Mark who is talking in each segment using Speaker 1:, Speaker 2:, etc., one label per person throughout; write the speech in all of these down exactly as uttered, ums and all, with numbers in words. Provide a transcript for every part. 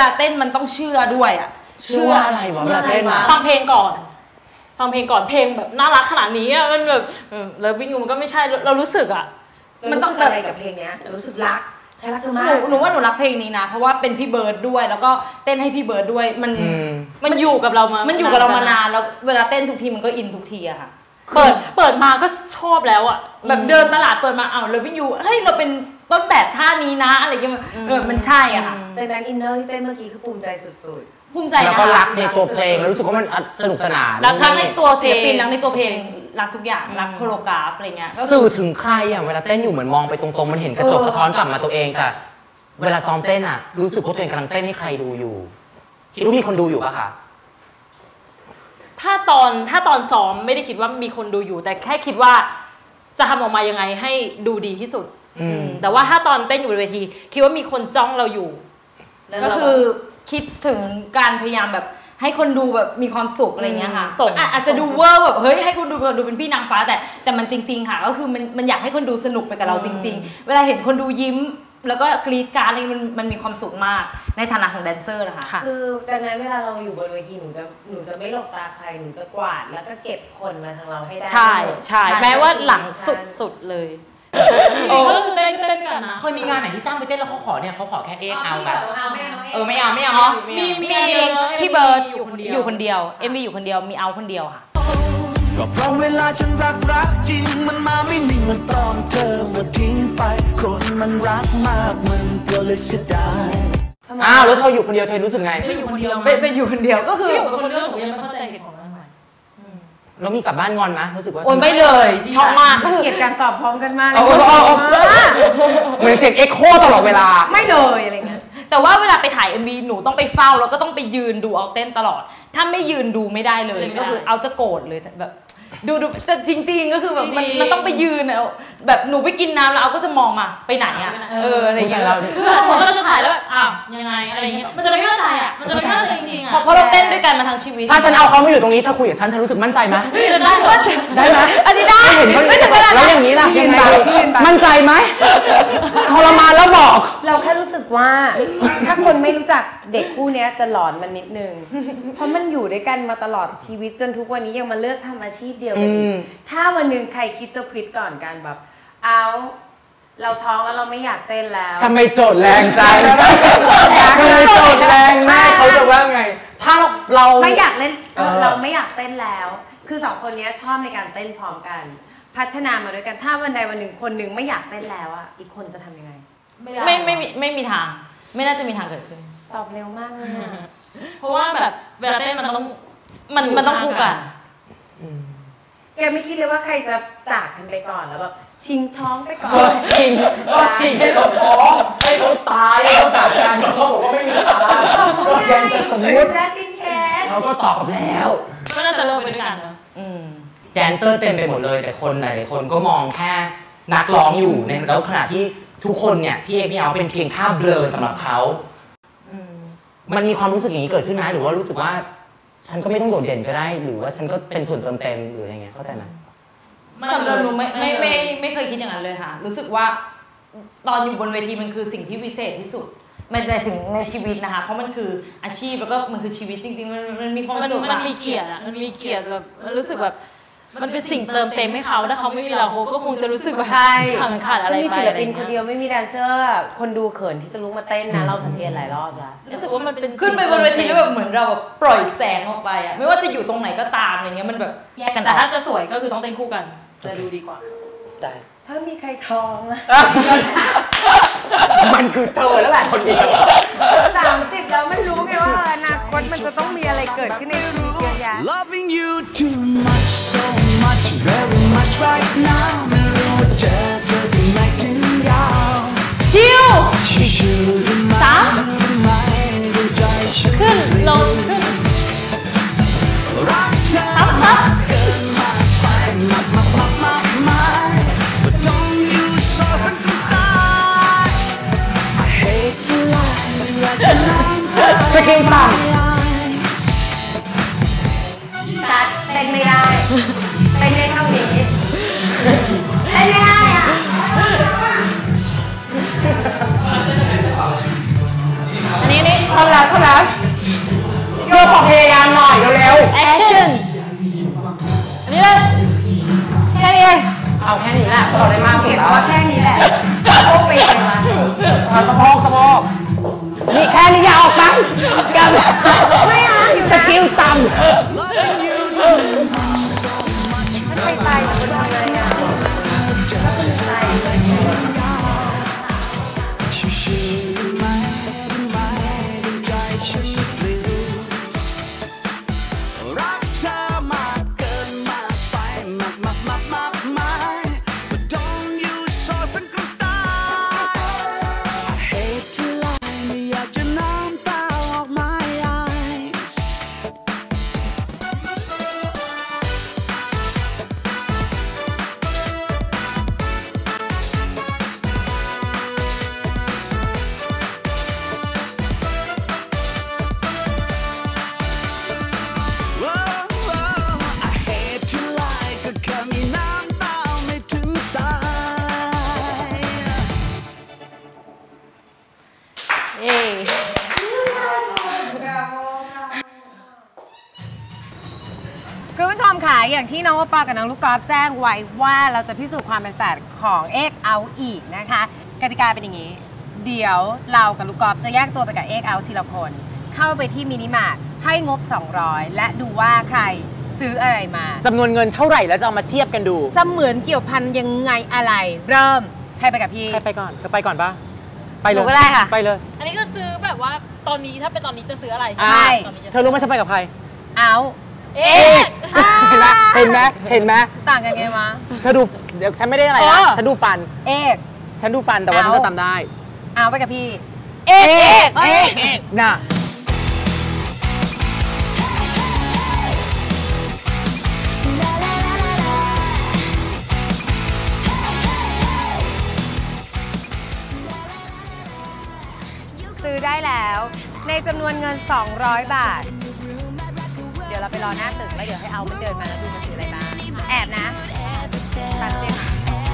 Speaker 1: ลาเต้นมันต้องเชื่อด้วยอ่ะ
Speaker 2: เชื่ออะไรวะเวลาเต้นมา
Speaker 3: ฟังเพลงก่อนฟังเพลงก่อนเพลงแบบน่ารักขนาดนี้อ่ะมันแบบเลิฟวิ่งมันก็ไม่ใช่เรารู้สึกอ่ะ
Speaker 4: มันต้องอะไรกับเพลงเนี้ยรู้สึกรักใช่รักเธอมาก
Speaker 1: หนูว่าหนูรักเพลงนี้นะเพราะว่าเป็นพี่เบิร์ดด้วยแล้วก็เต้นให้พี่เบิร์ดด้วยมัน
Speaker 3: มันอยู่กับเรามา
Speaker 1: มันอยู่กับเรามานานแล้วเวลาเต้นทุกทีมันก็อินทุกทีอะค่ะ
Speaker 3: เปิดเปิดมาก็ชอบแล้วอะ
Speaker 1: แบบเดินตลาดเปิดมาอ้าวเลิฟวิ่งยูเฮ้ยเราเป็นต้นแบบท่านี้นะอะไรเงี้ยมันใช่อะค่ะ
Speaker 4: ดังนั้นอินเนอร์ที่เต้นเมื่อกี้คือภูมิใจสุด
Speaker 1: ๆภูมิใจ
Speaker 2: แล้วก็รักในตัวเพลงรู้สึกว่ามันสนุกสนาน
Speaker 1: รักทั้งในตัวศิลปินรักในตัวเพลงรักทุกอย่างรักโคโรกราฟอะไรเงี้ย
Speaker 2: สื่อถึงใครอะเวลาเต้นอยู่เหมือนมองไปตรงๆมันเห็นกระจกสะท้อนกลับมาตัวเองแต่เวลาซ้อมเต้นอะรู้สึกว่าตัวเองกำลังเต้นให้ใครดูอยู่คิดว่ามีคนดูอยู่ปะคะ
Speaker 3: ถ้าตอนถ้าตอนซ้อมไม่ได้คิดว่ามีคนดูอยู่แต่แค่คิดว่าจะทำออกมายังไงให้ดูดีที่สุดแต่ว่าถ้าตอนเต้นอยู่บนเวทีคิดว่ามีคนจ้องเราอยู่
Speaker 1: ก็คือคิดถึงการพยายามแบบให้คนดูแบบมีความสุขอะไรเงี้ยค่ะอาจจะดูเวอร์แบบเฮ้ยให้คนดูดูเป็นพี่นางฟ้าแต่แต่มันจริงๆค่ะก็คือมันมันอยากให้คนดูสนุกไปกับเราจริงๆเวลาเห็นคนดูยิ้มแล้วก็กรี๊ดการ์ดอะไรมันมันมีความสุขมากในฐานะของแดนเซอร์นะคะ
Speaker 4: คือดังนั้นเวลาเราอยู่บนเวทีหนูจะหนูจะไม่หลบตาใครหนูจะกวาดแล้วก็เก็บคนมาทางเราให้ได้
Speaker 3: ใช่ใช่แม้ว่าหลังสุดๆเลยโอ้เต้นเต้นกันนะ
Speaker 2: เคยมีงานไหนที่จ้างไปเต้นแล้วเขาขอเนี่ยเขาขอแค่เอ็กเอาแบบเออไม่
Speaker 4: เ
Speaker 2: อาไม่เอา
Speaker 3: มีมี
Speaker 1: พี่เบิร์ดอยู่คนเดียวเอ็มวีอยู่คนเดียวมีเอาคนเดียวค่ะ
Speaker 5: ก็เพราะเวลาฉันรักรักจริงมันมาไม่นิ่งมันตอนเธอมาทิ้งไปคนมันรักมากมันก็เลยเสียดาย
Speaker 2: อ้าวแล้วเธออยู่คนเดียวเธอรู้สึกไง
Speaker 3: ไม่อยู่คนเดียว
Speaker 1: ไปอยู่คนเดียวก็คือ
Speaker 3: อยู่คนเดียวหนูยังไม่เข้าใจเหตุผลนั้นหน่อย
Speaker 2: แล้วมีกลับบ้านงอนไหมรู้สึกว่า
Speaker 1: โอนไม่เลยชอบมาก
Speaker 4: ก็คือเกลียดการตอบพร้อมกันมากเลย
Speaker 2: เหมือนเสียงเอ็กโคตลอดเวลา
Speaker 4: ไม่เลยอะไรเงี้ย
Speaker 1: แต่ว่าเวลาไปถ่าย เอ็ม วี หนูต้องไปเฝ้าแล้วก็ต้องไปยืนดูเอาเต้นตลอดถ้าไม่ยืนดูไม่ได้เลยก็คือเอาจะโกรธเลยแบบดูดูแต่จริงๆก็คือแบบมันมันต้องไปยืนอะแบบหนูไปกินน้ำแล้วเอาก็จะมองมาไปไหนอะเอออะไรอย่างเงี้ย
Speaker 3: สมมติเราจะถ่ายแล้วอ้าวยังไงอะไรอย่างเงี้ยมันจะไม่เข้าใจอะมันจะไม่เข้าใจจริงๆอะ
Speaker 1: เพราะเราเต้นด้วยกันมาทั้งชีวิต
Speaker 2: ถ้าฉันเอาเขามาอยู่ตรงนี้ถ้าคุยกับฉันเธอรู้สึกมั่นใจไหม
Speaker 1: ได้
Speaker 2: ได้ไหม
Speaker 1: อันนี้ได้
Speaker 2: ไม่ถึงขนาดแล้วอย่างนี้ล่ะยังไงมั่นใจไหมทรมานแล้วบอก
Speaker 4: เราแค่รู้สึกว่าถ้าคนไม่รู้จักเด็กคู่นี้จะหลอนมันนิดนึงเพราะมันอยู่ด้วยกันมาตลอดชีวิตจนทุกวันนี้ยังมาเลือกทำอาชีพเดียวกันอีกถ้าวันหนึ่งใครคิดจะควิดก่อนกันแบบเอาเราท้องแล้วเราไม่อยากเต้นแล้ว
Speaker 2: ทำไมโจทย์แรงจังทำไมโจทย์แรงแม่เขาจะว่าไงถ้าเรา
Speaker 4: ไม่อยากเล่นเราไม่อยากเต้นแล้วคือสองคนนี้ชอบในการเต้นพร้อมกันพัฒนามาด้วยกันถ้าวันใดวันหนึ่งคนหนึ่งไม่อยากเต้นแล้วอ่ะอีกคนจะทำยังไง
Speaker 1: ไม่ไม่มีไม่มีทางไม่น่าจะมีทางเกิดขึ้น
Speaker 4: ตอบเร็วมากเลย
Speaker 3: เพราะว่าแบบเวลาเต้นมันต้อง
Speaker 1: มันมันต้องคู่กัน
Speaker 4: แกไม่คิดเลยว่าใครจะจากกันไปก่อนแล้วแบบชิงท้องไปก่อน
Speaker 2: ชิงก็ชิงให้เขาท้องให้เขาตายให้เขาจากกันเขาบอกว่าไม่มีทางก็ยังจะสมมติเขาก็ตอบแล้ว
Speaker 3: ก็น่าจะเลิกไปด้วยกันนะ
Speaker 2: แดนเซอร์เต็มไปหมดเลยแต่คนหลายๆคนก็มองแค่นักร้องอยู่ในแล้วขณะที่ทุกคนเนี่ยพี่เอพี่เอาเป็นเพียงภาพเบลอสำหรับเขามันมีความรู้สึกอย่างนี้เกิดขึ้นไหมหรือว่ารู้สึกว่าฉันก็ไม่ต้องโดดเด่นก็ได้หรือว่าฉันก็เป็นส่วนเติมเต็มหรืออะไรเงี้ยเข้าใจไหม
Speaker 1: สำหรับหนูไม่ไม่ไม่ไม่เคยคิดอย่างนั้นเลยค่ะรู้สึกว่าตอนอยู่บนเวทีมันคือสิ่งที่วิเศษที่สุดมันในถึงในชีวิตนะคะเพราะมันคืออาชีพแล้วก็มันคือชีวิตจริงๆมันมันมีความสุข
Speaker 3: มันมีเกียรติอ่ะมันมีเกียรติแบบรู้สึกแบบมันเป็นสิ่งเติมเต็มให้เขาถ้าเขาไม่มีเราเขาก็คงจะรู้สึกว่า
Speaker 4: ใช่
Speaker 3: ขาดอะไรไป
Speaker 4: มีศิลปินคนเดียวไม่มีแดนเซอร์คนดูเขินที่จะลุกมาเต้นนะเราสังเกตหลายรอบแล้ว
Speaker 3: รู้สึกว่ามันเป็น
Speaker 1: ขึ้นไปบนเวทีแล้วแบบเหมือนเราแบบปล่อยแสงออกไปอ่ะไม่ว่าจะอยู่ตรงไหนก็ตามอะไรเงี้ยมันแบบแยกกัน
Speaker 3: แต่ถ้าจะสวยก็คือต้องเต้นคู่กันจะดูดีกว่า
Speaker 2: ได้
Speaker 4: ถ้ามีใครท้องอะ
Speaker 2: มันคือเธอแล้วแหละคนเดียว
Speaker 4: สามสิบแล้วมันรู้ไงว่าอนาคตมันจะต้องมีอะไรเกิดขึ้นในชีวิตเยอะแยะ
Speaker 5: Loving you too much so much very much right now ไม่รู้ว่าเจอเธอที่ไหนถึงยาว
Speaker 1: ชิว
Speaker 5: สาม
Speaker 3: ขึ้นลงขึ้น
Speaker 5: ทับทับ
Speaker 2: ไปกินต่ำ
Speaker 4: ตัดเต้นไม่ได้เต้นได้เท่านี้เต้นไม่ได้อ่ะ
Speaker 3: อันนี้นี่
Speaker 1: พอ
Speaker 2: ท่อนแล้วท่อนแล้วโยขอพยายามหน่อยเร็วๆ
Speaker 3: action อันนี้เลยแค่นี้เอง
Speaker 2: เอาแค่นี้แหละพอได้มากสุดแล้ว
Speaker 4: แค่นี้แหละโอ้ไปเลยมา
Speaker 2: เอาสะโพกสะโพกนี่แค่นี้อย่าออกไปกันไม่เอาอยู่สกิลต่ำ
Speaker 4: มันไปตายกับคนเลยอ่ะถ้าคุณตาย
Speaker 5: รักเธอมากเกินมากไปมากมากมากมากมาย But don't you so สังกัดตา I hate to lie ไม่อยากจะน้ำตาออก my eyes
Speaker 4: คุณผู้ชมค่ะอย่างที่น้องโอปอกับน้องลูกกอล์ฟแจ้งไว้ว่าเราจะพิสูจน์ความเป็นแฝดของเอ็กเอาอีกนะคะกติกาเป็นอย่างนี้ เดี๋ยวเรากับลูกกอล์ฟจะแยกตัวไปกับเอ็กเอาทีละคนเข้าไปที่มินิมาร์ทให้งบสองร้อยและดูว่าใครซื้ออะไรมา
Speaker 2: จำนวนเงินเท่าไหร่แล้วจะเอามาเทียบกันดู
Speaker 4: จะเหมือนเกี่ยวพันยังไงอะไรเริ่มใครไปกับพี่
Speaker 2: ใครไปก่อนเธอไปก่อนปะไปเลย
Speaker 4: หนูก็ได้ค่ะ
Speaker 2: ไปเลย
Speaker 3: อันนี้ก็ซื้อแบบว่าตอนนี้ถ้าเป็นตอนนี้จะซื้ออะไร
Speaker 4: ใช่
Speaker 3: ตอนนี้จะ
Speaker 2: เธอรู้ไหมเธอไปกับใคร
Speaker 4: เอา
Speaker 3: เอ๊ะ
Speaker 2: เห็นไหมเห็นไหมเห็นไหม
Speaker 4: ต่างกันไงวะ
Speaker 2: เธอดูเดี๋ยวฉันไม่ได้อะไร
Speaker 4: เอ
Speaker 2: นะ
Speaker 4: อ
Speaker 2: ฉันดูฟัน
Speaker 4: เอก
Speaker 2: ฉันดูฟันแต่ว่าฉันจะจำได้
Speaker 4: เอาไปกับพี่
Speaker 3: เอ๊ะ
Speaker 2: เอ๊ะเอ๊ะน่ะ
Speaker 4: ซื้อได้แล้วในจำนวนเงินสองร้อยบาท เดี๋ยวเราไปรอหน้าตึกแล้วเดี๋ยวให้เอามันเดินมาแล้วดูมันซื้ออะไรบ้างแอบนะฟังเสียง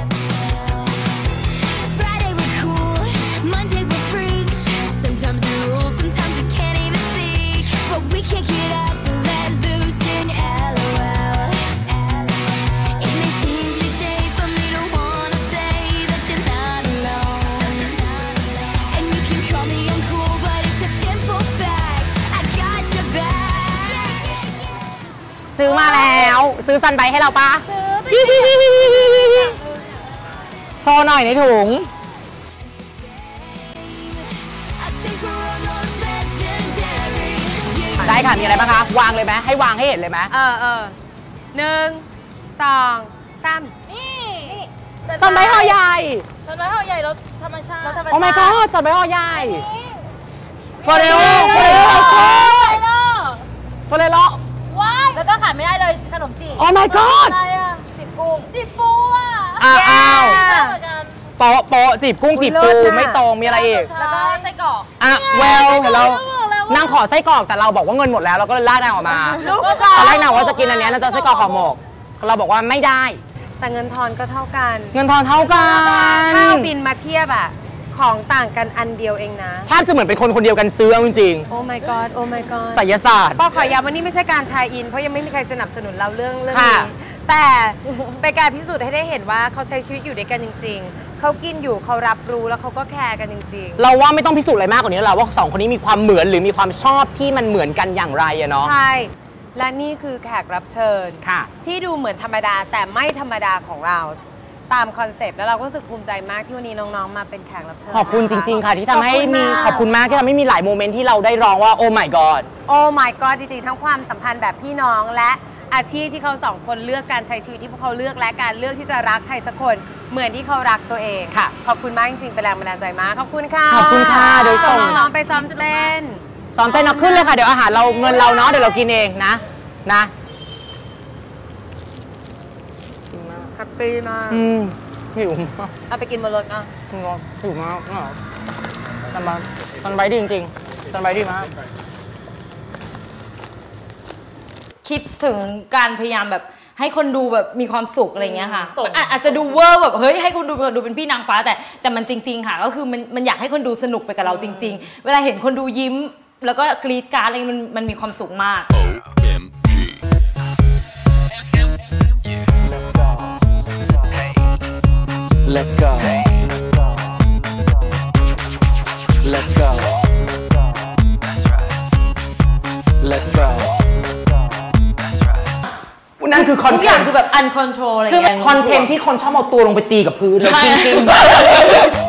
Speaker 6: Friday we're cool, Monday we're freaks. Sometimes we rule, sometimes we can't even speak. But we can't get up and let loose in LOL. It may seem cliche for me to wanna say that you're not alone. And you can call me uncool, but it's a simple fact. I got your back.
Speaker 2: ซื้อมาแล้วซื้อซันไบให้เราปะ
Speaker 3: ซื้อไป
Speaker 2: โชว์หน่อยในถุง
Speaker 6: I think we're almost legendary. Yeah,
Speaker 2: ได้ค่ะ มีอะไรบ้างคะ วางเลยไหมให้วางให้เห็นเลยไหม
Speaker 4: เออเออหนึ่งสองสาม
Speaker 3: นี่
Speaker 2: ซันไบห่อใหญ่
Speaker 3: ต้นไม้ห่อใหญ่รสธรรมชาติ
Speaker 2: โอ้ my god ซันไบห่อใหญ่
Speaker 3: นี่
Speaker 2: ฟอเรโอฟอเรโอโช
Speaker 3: ไปเนาะ
Speaker 2: ฟอเรโอ
Speaker 3: ว้ายแล้วก็ขาดไม่ได้เลยขนมจีบ
Speaker 2: โอ้ my god
Speaker 3: อะไรอ่ะจีบกุ้งจีบปูอ่ะ
Speaker 2: อ้าวอ้าว
Speaker 3: เหมือนกัน
Speaker 2: โปะโปะจีบกุ้งจีบปูไม่ตรงมีอะไรอีก
Speaker 3: แล้วก็ไส้กรอก
Speaker 2: อ่ะเวลเห็นเรา
Speaker 3: ไส้กรอกแล้วอะ
Speaker 2: นางขอไส้กรอกแต่เราบอกว่าเงินหมดแล้วเราก็เลยลากนางออกมา
Speaker 4: ลูก
Speaker 2: ตอนแรกนางว่าจะกินอันเนี้ยนางจะเอาไส้กรอกห่อหมกเราบอกว่าไม่ได้
Speaker 4: แต่เงินทอนก็เท่ากัน
Speaker 2: เงินทอนเท่ากัน
Speaker 4: ถ้าเอาบินมาเทียบอะของต่างกันอันเดียวเองนะ
Speaker 2: แทบจะเหมือนเป็นคนคนเดียวกันซื้อเอาจริง
Speaker 4: โอ้ my god โอ้ my god
Speaker 2: ๆไสยศาสตร์
Speaker 4: ปอขอย้ำว่านี่ไม่ใช่การทายอิน เพราะยังไม่มีใครสนับสนุนเราเรื่องเรื่องนี้
Speaker 2: ค่ะ
Speaker 4: แต่เป็นการพิสูจน์ให้ได้เห็นว่าเขาใช้ชีวิตอยู่ด้วยกันจริง ๆ เขากินอยู่เขารับรู้แล้วเขาก็แคร์กันจริง
Speaker 2: เราว่าไม่ต้องพิสูจน์อะไรมากกว่านี้แล้วล่ะว่าสองคนนี้มีความเหมือนหรือมีความชอบที่มันเหมือนกันอย่างไรอะเนาะ
Speaker 4: ๆ ใช่ และนี่คือแขกรับเชิญ
Speaker 2: ค่ะ
Speaker 4: ที่ดูเหมือนธรรมดาแต่ไม่ธรรมดาของเราตามคอนเซปต์แล้วเราก็รู้สึกภูมิใจมากที่วันนี้น้องๆมาเป็นแขกรับเชิญ
Speaker 2: ขอบคุณจริง ๆ ค่ะ ที่ทำให้มีข
Speaker 4: ข
Speaker 2: อ
Speaker 4: อ
Speaker 2: บบ
Speaker 4: คุ
Speaker 2: คุณ
Speaker 4: ณ
Speaker 2: มาม
Speaker 4: าก ก
Speaker 2: ที่ทำให้มีหลายโมเมนต์ที่เราได้ร้องว่าโอ้ my god
Speaker 4: โอ้ my god จริงๆ ทั้งความสัมพันธ์แบบพี่น้องและอาชีพที่เขาสองคนเลือกการใช้ชีวิตที่พวกเขาเลือกและการเลือกที่จะรักใครสักคนเหมือนที่เขารักตัวเอง
Speaker 2: ค่ะ
Speaker 4: ขอบคุณมากจริงๆเป็นแรงบันดาลใจมากขอบคุณค่ะ
Speaker 2: ขอบคุณค่ะเดี๋ยวส่ง
Speaker 4: น้องๆไปซ้อมเต้น
Speaker 2: ซ้อมเต้นเอาขึ้นเลยค่ะเดี๋ยวอาหารเราเงินเราเนาะเดี๋ยวเรากินเองนะนะ
Speaker 4: แฮปปี้มาก
Speaker 2: อืมหิวมาก
Speaker 4: เอาไปกินบนรถอ่ะ
Speaker 2: หิวมากอ่ะซันไบซันไบดีจริงๆซันไบดีมาก
Speaker 1: คิดถึงการพยายามแบบให้คนดูแบบมีความสุขอะไรเงี้ยค่ะ
Speaker 3: ส่ง
Speaker 1: อาอาจจะดูเวอร์แบบเฮ้ยให้คนดูดูเป็นพี่นางฟ้าแต่แต่มันจริง ๆ ค่ะ ก็คือมันมันอยากให้คนดูสนุกไปกับเราจริง ๆ เวลาเห็นคนดูยิ้มแล้วก็กรีดการ์ดอะไรมันมันมีความสุขมาก
Speaker 5: Let's go. Let's go. Let's go.
Speaker 2: นั่นคือคอน
Speaker 1: ทุก
Speaker 2: เท
Speaker 1: อย่าง
Speaker 2: นต์
Speaker 1: คือแบบ uncontrol อะไรอ
Speaker 2: คือย่าง
Speaker 1: เงี้ย
Speaker 2: คอนเทนต์ที่คนชอบเอาตัวลงไปตีกับพื้นแล้วจริงๆ